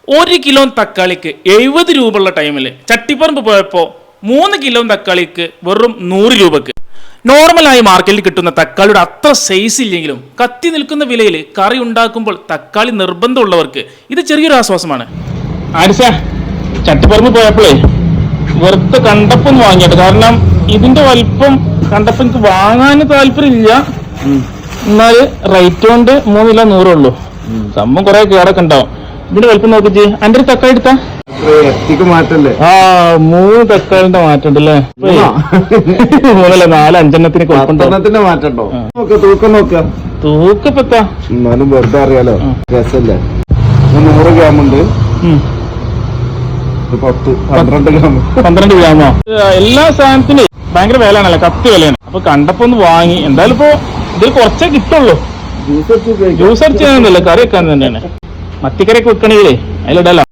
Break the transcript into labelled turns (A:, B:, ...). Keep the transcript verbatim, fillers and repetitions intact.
A: ഒരു കിലോ തക്കാളിക്ക് എഴുപത് രൂപ ഉള്ള ടൈമിൽ ചട്ടിപ്പറമ്പ് പോയപ്പോൾ മൂന്ന് കിലോ തക്കാളിക്ക് വെറും നൂറ് രൂപക്ക്. നോർമലായി മാർക്കറ്റിൽ കിട്ടുന്ന തക്കാളിയുടെ അത്ര സൈസ് ഇല്ലെങ്കിലും കത്തി നിൽക്കുന്ന വിലയിൽ കറി ഉണ്ടാക്കുമ്പോൾ തക്കാളി നിർബന്ധമുള്ളവർക്ക് ഇത് ചെറിയൊരു ആശ്വാസമാണ്. ആരിസ ചട്ടിപ്പറമ്പ് പോയപ്പോഴേ വെറുതെ കണ്ടപ്പം ഒന്ന് വാങ്ങിയിട്ട്, കാരണം ഇതിന്റെ വലിപ്പം കണ്ടപ്പം എനിക്ക് വാങ്ങാൻ താല്പര്യമില്ല. എന്നാല് റേറ്റ് കൊണ്ട് മൂന്ന് കിലോ നൂറേ ഉള്ളൂ. സംഭവം കുറെ കേടൊക്കെ ഉണ്ടാവും. ഇതിന്റെ വലിപ്പം നോക്കിച്ച് എന്റെ ഒരു തക്കാളി എടുത്താ
B: മാറ്റല്ലേ?
A: ആ മൂന്ന് തക്കാളിന്റെ മാറ്റം ഉണ്ടല്ലേ? മൂന്നല്ല നാല് അഞ്ചെണ്ണത്തിന്
B: കുഴപ്പത്തിന്റെ മാറ്റണ്ടോ? തൂക്കം നോക്ക,
A: തൂക്കപ്പെത്താ
B: എന്നാലും വെറുതെ അറിയാലോ, രസല്ലേ? നൂറ് ഗ്രാം ഉണ്ട്, പത്ത് പന്ത്രണ്ട് ഗ്രാം
A: പന്ത്രണ്ട് ഗ്രാമോ? എല്ലാ സാധനത്തിനും ഭയങ്കര വിലയാണല്ലോ, കത്തി വിലയാണ്. അപ്പൊ കണ്ടപ്പോ ഒന്ന് വാങ്ങി. എന്തായാലും ഇപ്പൊ ഇതിൽ കുറച്ചേ കിട്ടുള്ളൂ. ജ്യൂസ് അടിച്ച് ചെയ്യാനൊന്നുമില്ല, കറി വെക്കാൻ തന്നെയാണ്. മത്തിക്കറിയൊക്കെ വെക്കണമെങ്കിലേ അതിലിടല.